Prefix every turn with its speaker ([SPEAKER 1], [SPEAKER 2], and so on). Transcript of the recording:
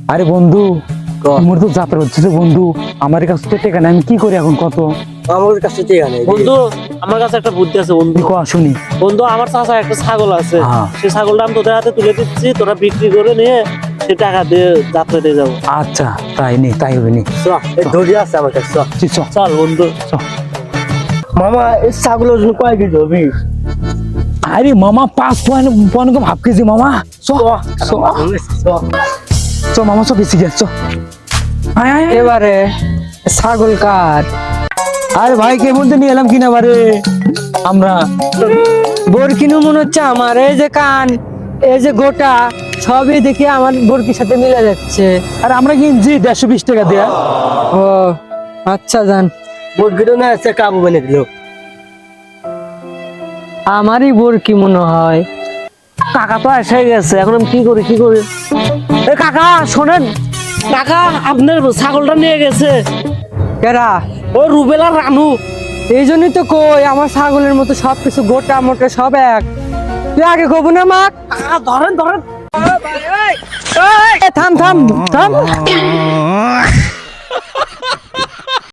[SPEAKER 1] আরে বন্ধু তোমার তো যাত্রা হচ্ছে বন্ধু, আমার কাছে তো টাকা নেই, আমি কি করি এখন? কত
[SPEAKER 2] আমার কাছে টাকা নেই
[SPEAKER 3] বন্ধু, আমার কাছে একটা বুদ্ধি আছে বন্ধু।
[SPEAKER 1] শুনি।
[SPEAKER 3] বন্ধু, আমার চাচা একটা ছাগল আছে,
[SPEAKER 1] হ্যাঁ।
[SPEAKER 3] সেই ছাগলটা আমি তোদের হাতে তুলে দিচ্ছি, তোরা বিক্রি করে নিয়ে সে টাকা দিয়ে যাত্রা দিয়ে যাবো।
[SPEAKER 1] আচ্ছা তাই নেই, তাই হবে নি।
[SPEAKER 2] ধরে আছে আমার কাছে
[SPEAKER 3] চল বন্ধু।
[SPEAKER 2] মামা এই ছাগলের ওজন কয় কেজি হবে?
[SPEAKER 1] আরে মামা 5.1 হাফ কেজি মামা। মামা সব বেশি গেছ।
[SPEAKER 4] এবারে ছাগল কার?
[SPEAKER 1] আরে ভাই কে বলতে নিয়ে এলাম কিনা বারে আমরা।
[SPEAKER 4] বরকিনু মনে হচ্ছে আমার, এই যে কান, এই যে গোটা, সবই দেখি আমার বরকির সাথে মিলে যাচ্ছে।
[SPEAKER 1] আরে আমরা কিনছি 120 টাকা দেয়া।
[SPEAKER 4] ও আচ্ছা জান,
[SPEAKER 2] মুরগিটা না আছে কাবু বানিয়ে দিল।
[SPEAKER 4] আমারই বরকি মনে হয়।
[SPEAKER 3] কাকা তো এসে গেছে, এখন আমি কি করি? এ কাকা শোনেন, কাকা আপনার ছাগলটা নিয়ে গেছে
[SPEAKER 4] কেরা?
[SPEAKER 3] ও রুবেল আর রানু।
[SPEAKER 4] এই জন্যই তো কই আমার ছাগলের মতো সবকিছু গোটা মোটা সব এক। তুই আগে কবু না মা।
[SPEAKER 3] কাকা ধরেন।
[SPEAKER 4] থাম থাম থাম।